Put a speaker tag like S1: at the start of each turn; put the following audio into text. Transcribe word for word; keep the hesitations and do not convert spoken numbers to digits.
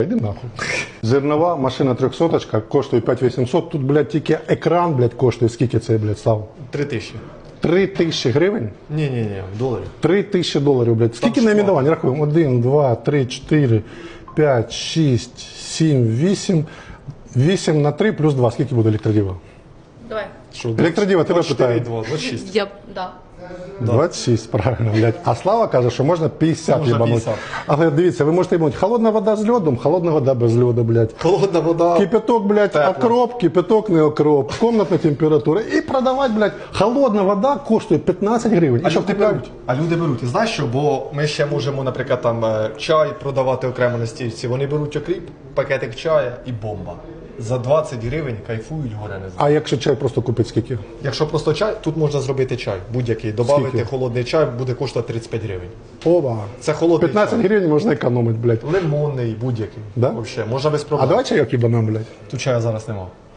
S1: Іди нахуй. Зернова машина трьохсоточка коштує п'ять вісімсот. Тут, блядь, тільки екран, блядь, коштує. Скільки це, блядь, став?
S2: Три тисячі.
S1: Три тисячі гривень?
S2: Ні-ні-ні, доларів.
S1: Три тисячі доларів, блядь. Скільки найменувань? Рахуємо. Один, два, три, чотири, п'ять, шість, сім, вісім. Вісім на три плюс два. Скільки буде електродіва?
S3: Давай.
S2: Що,
S1: Електродіва, тебе питаю.
S2: двадцять шість.
S3: Я, да.
S1: двадцять шість, правильно, блядь. А Слава каже, що можна п'ятдесят
S2: Можна
S1: їбануть.
S2: п'ятдесят.
S1: Але дивіться, ви можете їбануть холодна вода з льодом, холодна вода без льоду, блядь.
S2: Холодна вода.
S1: Кипяток, блядь,
S2: Тепло.
S1: окроп, кипяток не окроп, комнатна температура. І продавати, блядь, холодна вода коштує п'ятнадцять гривень.
S2: А
S1: І що
S2: люди
S1: купляють?
S2: беруть. А люди беруть. І знаєш що? Бо ми ще можемо, наприклад, там е, чай продавати окремо на стільці. Вони беруть окріп, пакетик чая і бомба. За двадцять гривень кайфують, горе не знаю.
S1: А якщо чай просто купити скільки?
S2: Якщо просто чай, тут можна зробити чай будь-який. Добавити
S1: Скільки?
S2: холодний чай буде коштувати тридцять п'ять гривень.
S1: Оба.
S2: Це холодний
S1: п'ятнадцять
S2: чай.
S1: гривень можна економити, блядь.
S2: Лимонний, будь-який.
S1: Да?
S2: Вообще, можна без
S1: А
S2: проблем.
S1: давай чайок їбанем, блядь.
S2: Тут чаю зараз нема.